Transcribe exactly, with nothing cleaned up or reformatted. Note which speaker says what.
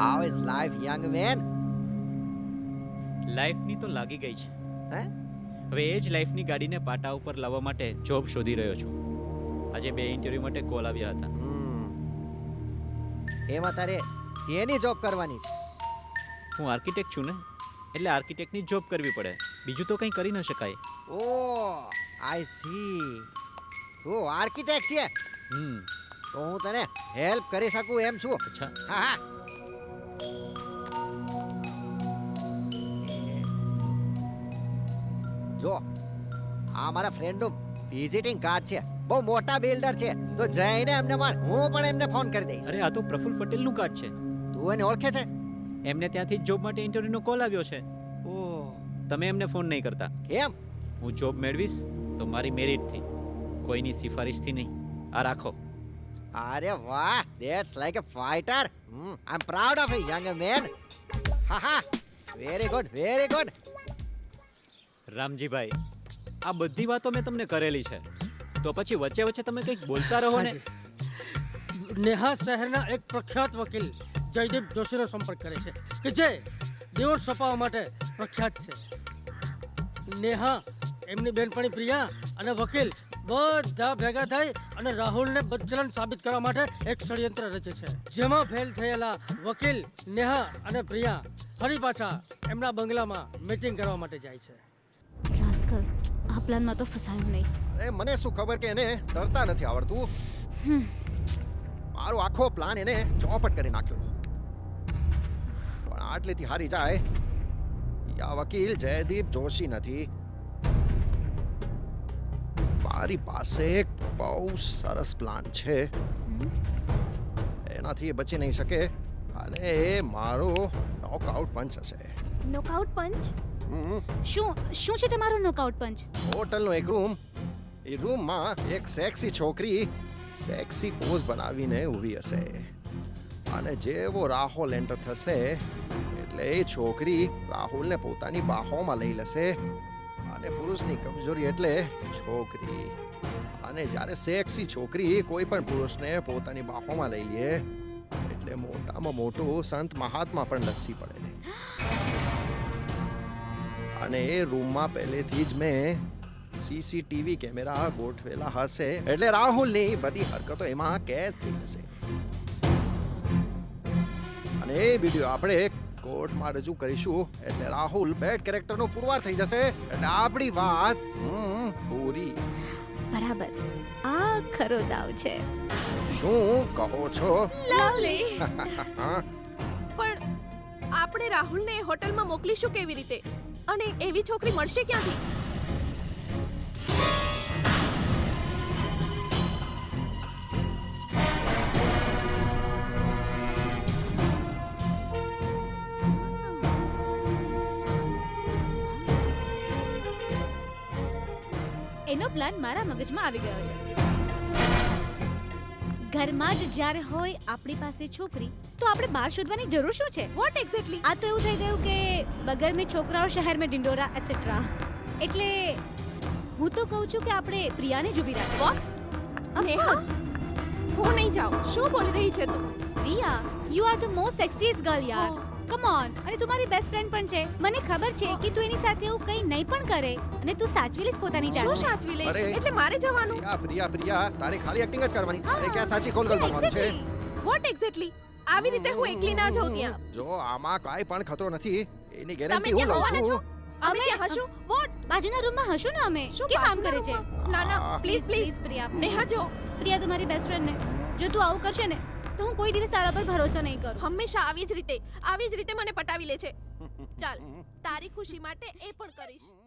Speaker 1: How is life, young man?
Speaker 2: લાઈફની તો લાગી ગઈ છે.
Speaker 1: હે?
Speaker 2: હવે એ જ લાઈફની ગાડીને પાટા ઉપર લાવવા માટે જોબ શોધી રહ્યો છું. આજે બે ઇન્ટરવ્યૂ માટે કોલ આવ્યા હતા.
Speaker 1: હમ. એમાં તારે શેની જોબ કરવાની છે?
Speaker 2: હું આર્કિટેક્ટ છું ને, એટલે આર્કિટેક્ટની જોબ કરવી પડે. બીજું તો કંઈ કરી ન શકાય.
Speaker 1: ઓ આઈ સી. તું આર્કિટેક્ટ છે
Speaker 2: હમ
Speaker 1: તો હું તને હેલ્પ કરી શકું એમ છું.
Speaker 2: અચ્છા.
Speaker 1: હા હા. જો આ મારા ફ્રેન્ડનું વિઝિટિંગ કાર્ડ છે. બહુ મોટા બિલ્ડર છે, તો જઈને એમને મળ. હું પણ એમને ફોન કરી દઈશ.
Speaker 2: અરે આ તો પ્રફુલ્લ પટેલનું કાર્ડ છે.
Speaker 1: તું એને ઓળખે છે?
Speaker 2: એમને ત્યાંથી જ જોબ માટે ઇન્ટરવ્યૂનો કોલ આવ્યો છે.
Speaker 1: ઓ
Speaker 2: તમે એમને ફોન નહીં કરતા.
Speaker 1: કેમ?
Speaker 2: હું જોબ મેળવીશ તો મારી મેરિટથી, કોઈની સિફારિશથી નહીં. આ રાખો.
Speaker 1: અરે વાહ, that's like a fighter. I am proud of you young man. હા હા, very good very good.
Speaker 2: Ramjibhai, આ બધી વાતો મેં તમને કરેલી છે, તો પછી વચ્ચે વચ્ચે તમે કંઈક બોલતા રહો ને.
Speaker 3: નેહા શહેરના એક પ્રખ્યાત વકીલ જયદીપ જોશીનો સંપર્ક કરે છે કે જે ડિવોર્સ છપાવવા માટે પ્રખ્યાત છે. નેહા, એમની બેનપણી પ્રિયા અને વકીલ બધા ભેગા થઈ અને રાહુલને બદચલન સાબિત કરવા માટે એક ષડયંત્ર રચે છે, જેમાં ફેલ થયેલા વકીલ નેહા અને પ્રિયા ફરી પાછા એમના બંગલામાં મીટિંગ કરવા માટે જાય છે.
Speaker 4: રાસ્કલ, આ પ્લાનમાં તો ફસાયો નહીં.
Speaker 1: અરે મને શું ખબર કે એને તરતા નથી આવડતું. મારો આખો પ્લાન એને ચોપટ કરી નાખ્યો. પણ આટલેથી હારી જાય આ વકીલ જયદીપ જોશી નથી. મારી પાસે એક બહુ સરસ પ્લાન છે. એનાથી એ બચી નહીં શકે અને એ મારો નોકઆઉટ પંચ હશે.
Speaker 4: Knockout punch?
Speaker 1: હમ.
Speaker 4: શું શું છે તમારો નોકઆઉટ પંચ?
Speaker 1: હોટલનો એક રૂમ, એ રૂમમાં એક સેક્સી છોકરી સેક્સી પોઝ બનાવીને ઊભી હશે અને જેવો રાહુલ એન્ટર થશે એટલે એ છોકરી રાહુલને પોતાની બાહોમાં લઈ લેશે. અને પુરુષની કમજોરી એટલે છોકરી. અને જ્યારે સેક્સી છોકરી કોઈ પણ પુરુષને પોતાની બાહોમાં લઈ લે એટલે મોટામાં મોટું સંત મહાત્મા પણ લસી પડે. અને એ રૂમમાં પહેલેથી જ મેં સીસીટીવી કેમેરા ગોઠવેલા હશે એટલે રાહુલની બધી હરકતો એમાં કેદ થઈ જશે. અને એ વિડીયો આપણે કોર્ટમાં રજૂ કરીશું એટલે રાહુલ બેડ કેરેક્ટરનો પુરવાર થઈ જશે એટલે આપણી વાત હમ, પૂરી.
Speaker 4: બરાબર, આ ખરો દાવ છે.
Speaker 1: શું કહો છો?
Speaker 4: લવલી.
Speaker 5: પણ આપણે રાહુલને હોટલમાં મોકલીશું કેવી રીતે? અને એવી છોકરી મળશે ક્યાંથી?
Speaker 4: એનો પ્લાન મારા મગજમાં આવી ગયો છે. ઘરમાં જ જ્યારે હોય આપણી પાસે છોકરી, તો આપણે બહાર શોધવાની જરૂર શું છે?
Speaker 5: What exactly?
Speaker 4: આ તો એવું થઈ ગયું કે બગર મેં છોકરાઓ શહેર મેં ડિંડોરા એટસેટ્રા. એટલે હું તો કહું છું કે આપણે પ્રિયાને જ ઊભી રાખીએ.
Speaker 5: વોટ? નેહા, હું નહીં જાઉં. શું બોલી રહી છે તું?
Speaker 4: Priya, you are the most sexiest girl યાર. Come on. અને તું મારી બેસ્ટ ફ્રેન્ડ પણ છે. મને ખબર છે કે તું એની સાથે એવું કંઈ નહીં પણ કરે અને તું સાચવી લઈશ પોતાની જાતને.
Speaker 5: શું સાચવી લઈશ?
Speaker 1: અરે.
Speaker 5: એટલે મારે જવાનું?
Speaker 1: પ્રિયા પ્રિયા પ્રિયા તારે ખાલી એક્ટિંગ જ કરવાની.
Speaker 4: હા.
Speaker 1: તારે ક્યાં સાચી કોલ કરવાનું છે?
Speaker 5: What exactly? આવી રીતે હું એકલી ના જાઉં ત્યાં.
Speaker 1: જો આમાં કાંઈ પણ ખતરો નથી એની
Speaker 5: તમે
Speaker 1: ગેરંટી હું
Speaker 5: ક્યાં
Speaker 1: લઉં
Speaker 5: હોવાના છો?
Speaker 1: છું.
Speaker 5: અમે ક્યાં હશું? વોટ?
Speaker 4: બાજુના રૂમમાં હશું ને અમે.
Speaker 5: શું
Speaker 4: કેમ આમ કરે
Speaker 5: બાજુના
Speaker 4: છે?
Speaker 5: રૂમમાં? ના ના,
Speaker 1: આ.
Speaker 5: Please please.
Speaker 4: પ્રિયા.
Speaker 5: નેહા જો,
Speaker 4: પ્રિયા, તું મારી બેસ્ટ ફ્રેન્ડ ને જો તું આવું કરશે ને તો હું કોઈ દિવસ તારા પર ભરોસો નહીં કરું.
Speaker 5: હંમેશા આવી જ રીતે આવી જ રીતે મને પટાવી લે છે. ચાલ, તારી ખુશી માટે એ પણ કરીશ.